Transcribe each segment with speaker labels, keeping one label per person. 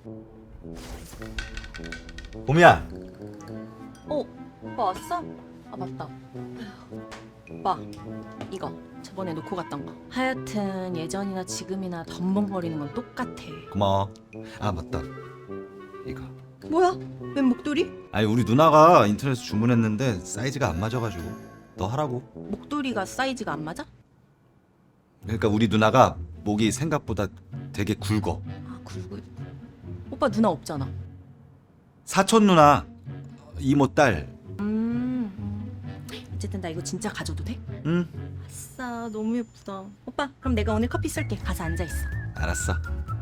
Speaker 1: 봄이야.
Speaker 2: 오빠 왔어? 아 맞다. 오빠 이거 저번에 놓고 갔던 거. 하여튼 예전이나 지금이나 덤벙거리는 건 똑같아.
Speaker 1: 고마워. 아 맞다. 이거.
Speaker 2: 뭐야? 웬 목도리?
Speaker 1: 아니 우리 누나가 인터넷에서 주문했는데 사이즈가 안 맞아가지고 너 하라고.
Speaker 2: 목도리가 사이즈가 안 맞아?
Speaker 1: 그러니까 우리 누나가 목이 생각보다 되게 굵어.
Speaker 2: 아 그리고 오빠 누나 없잖아.
Speaker 1: 사촌 누나 이모 딸.
Speaker 2: 어쨌든 나 이거 진짜 가져도 돼?
Speaker 1: 응.
Speaker 2: 아싸 너무 예쁘다. 오빠 그럼 내가 오늘 커피 쏠게. 가서 앉아 있어.
Speaker 1: 알았어.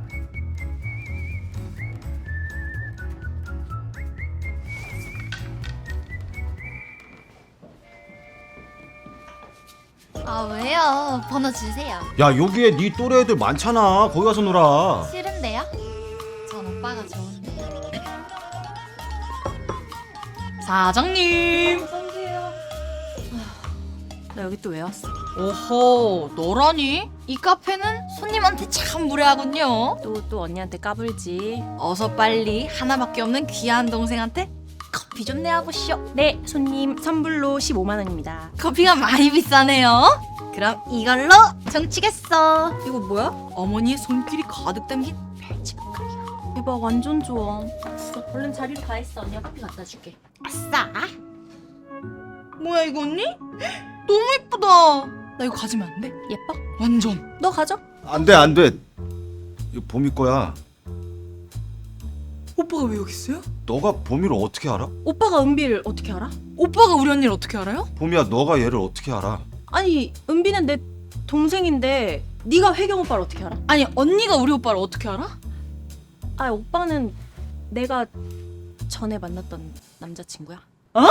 Speaker 3: 아 왜요? 번호 주세요.
Speaker 1: 야 여기에 네 또래 애들 많잖아. 거기 가서 놀아.
Speaker 3: 싫은데요? 전 오빠가 좋은데.
Speaker 4: 사장님.
Speaker 2: 나 여기 또 왜 왔어?
Speaker 4: 오호, 너라니? 이 카페는 손님한테 참 무례하군요.
Speaker 2: 또 언니한테 까불지.
Speaker 4: 어서 빨리 하나밖에 없는 귀한 동생한테 커피 좀 내와보시오.
Speaker 2: 네 손님 선불로 15만 원입니다.
Speaker 4: 커피가 많이 비싸네요. 그럼 이걸로 정치겠어.
Speaker 2: 이거 뭐야?
Speaker 4: 어머니의 손길이 가득 담긴 멸치볶음이요.
Speaker 2: 대박 완전 좋아. 얼른 자리로 가 있어. 언니가 커피 갖다 줄게.
Speaker 4: 아싸. 뭐야 이거 언니? 너무 예쁘다. 나 이거 가지면 안 돼?
Speaker 2: 예뻐?
Speaker 4: 완전.
Speaker 2: 너 가져.
Speaker 1: 안돼 안돼. 이거 봄이 거야.
Speaker 4: 오빠가 왜 여기 있어요?
Speaker 1: 너가 봄이를 어떻게 알아?
Speaker 2: 오빠가 은비를 어떻게 알아?
Speaker 4: 오빠가 우리 언니를 어떻게 알아요?
Speaker 1: 봄이야 너가 얘를 어떻게 알아?
Speaker 2: 아니 은비는 내 동생인데 네가 혜경 오빠를 어떻게 알아?
Speaker 4: 아니 언니가 우리 오빠를 어떻게 알아?
Speaker 2: 아 오빠는 내가 전에 만났던 남자친구야.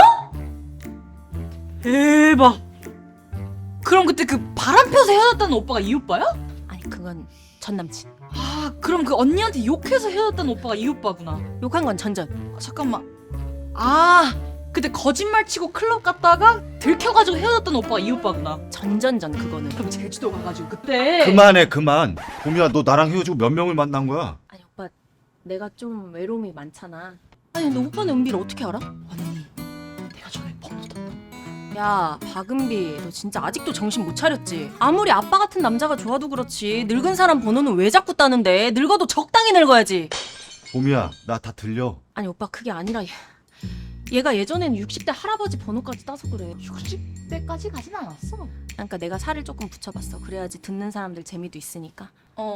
Speaker 4: 대박. 그럼 그때 그 바람 펴서 헤어졌다는 오빠가 이 오빠야?
Speaker 2: 아니 그건 전 남친.
Speaker 4: 아 그럼 그 언니한테 욕해서 헤어졌다는 오빠가 이 오빠구나.
Speaker 2: 욕한 건 전전.
Speaker 4: 아, 잠깐만. 아 그때 거짓말 치고 클럽 갔다가 들켜가지고 헤어졌던 오빠가 이 오빠구나.
Speaker 2: 전전전 그거는.
Speaker 4: 그럼 제주도 가가지고 그때
Speaker 1: 그만해 그만. 봄이야 너 나랑 헤어지고 몇 명을 만난 거야?
Speaker 2: 아니 오빠 내가 좀 외로움이 많잖아. 아니 근데 오빠는 은비를 어떻게 알아?
Speaker 4: 언니 내가 전에 번호 땄다.
Speaker 2: 야 박은비 너 진짜 아직도 정신 못 차렸지? 아무리 아빠 같은 남자가 좋아도 그렇지 늙은 사람 번호는 왜 자꾸 따는데? 늙어도 적당히 늙어야지.
Speaker 1: 봄이야 나 다 들려.
Speaker 2: 아니 오빠 그게 아니라 얘가 예전엔 60대 할아버지 번호까지 따서 그래.
Speaker 4: 60대까지 가진 않았어.
Speaker 2: 그러니까 내가 살을 조금 붙여봤어. 그래야지 듣는 사람들 재미도 있으니까.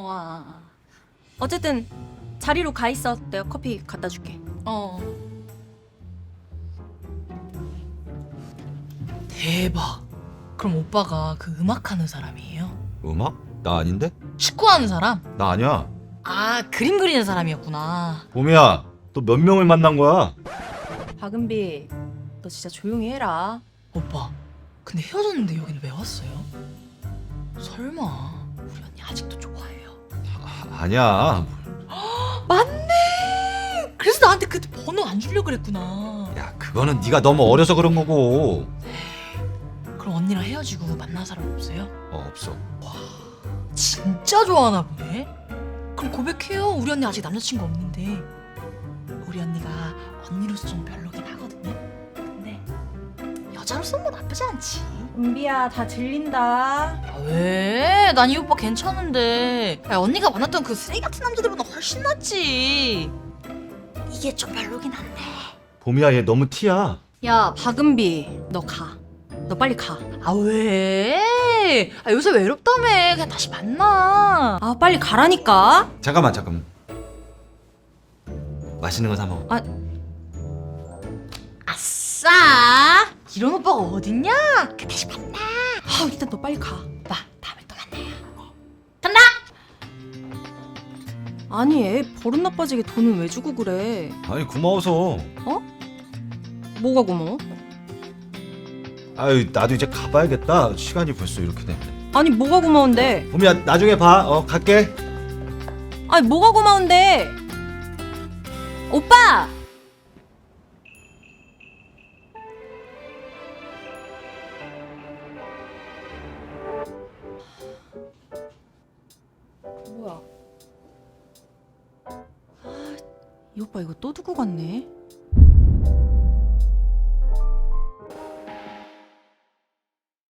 Speaker 2: 어쨌든 자리로 가 있어. 내가 커피 갖다 줄게.
Speaker 4: 대박. 그럼 오빠가 그 음악하는 사람이에요?
Speaker 1: 음악? 나 아닌데?
Speaker 4: 축구하는 사람?
Speaker 1: 나 아니야.
Speaker 4: 아 그림 그리는 사람이었구나.
Speaker 1: 봄이야 너 몇 명을 만난 거야?
Speaker 2: 박은비 너 진짜 조용히 해라.
Speaker 4: 오빠 근데 헤어졌는데 여기는 왜 왔어요? 설마 우리 언니 아직도 좋아해요?
Speaker 1: 아니야.
Speaker 4: 맞네. 그래서 나한테 그때 번호 안 주려고 그랬구나.
Speaker 1: 야 그거는 네가 너무 어려서 그런 거고.
Speaker 4: 그럼 언니랑 헤어지고 만난 사람 없어요?
Speaker 1: 없어.
Speaker 4: 진짜 좋아하나 보네. 그럼 고백해요. 우리 언니 아직 남자친구 없는데. 우리 언니가 언니로서 좀 별로긴 하거든요. 근데 여자로서는 뭐 나쁘지 않지.
Speaker 2: 은비야 다 들린다.
Speaker 4: 아, 왜? 난 이 오빠 괜찮은데. 야, 언니가 만났던 그 쓰레기 같은 남자들보다 훨씬 낫지. 이게 좀 별로긴 한데.
Speaker 1: 봄이야 얘 너무 티야.
Speaker 2: 야 박은비 너 가. 너 빨리 가.
Speaker 4: 아 왜? 아 요새 외롭다며. 그냥 다시 만나.
Speaker 2: 아 빨리 가라니까.
Speaker 1: 잠깐만. 맛있는 거 사 먹어.
Speaker 4: 아싸. 이런 오빠가 어딨냐? 그냥 다시 만나.
Speaker 2: 아 일단 너 빨리 가.
Speaker 4: 오빠 다음에 또 만나요.
Speaker 2: 아니 애 버릇 나빠지게 돈은 왜 주고 그래?
Speaker 1: 아니 고마워서.
Speaker 2: 뭐가 고마워?
Speaker 1: 아유 나도 이제 가봐야겠다. 시간이 벌써 이렇게 됐네.
Speaker 2: 아니 뭐가 고마운데?
Speaker 1: 봄이야 나중에 봐. 갈게.
Speaker 2: 아니 뭐가 고마운데? 오빠! 뭐야? 아 이 오빠 이거 또 두고 갔네.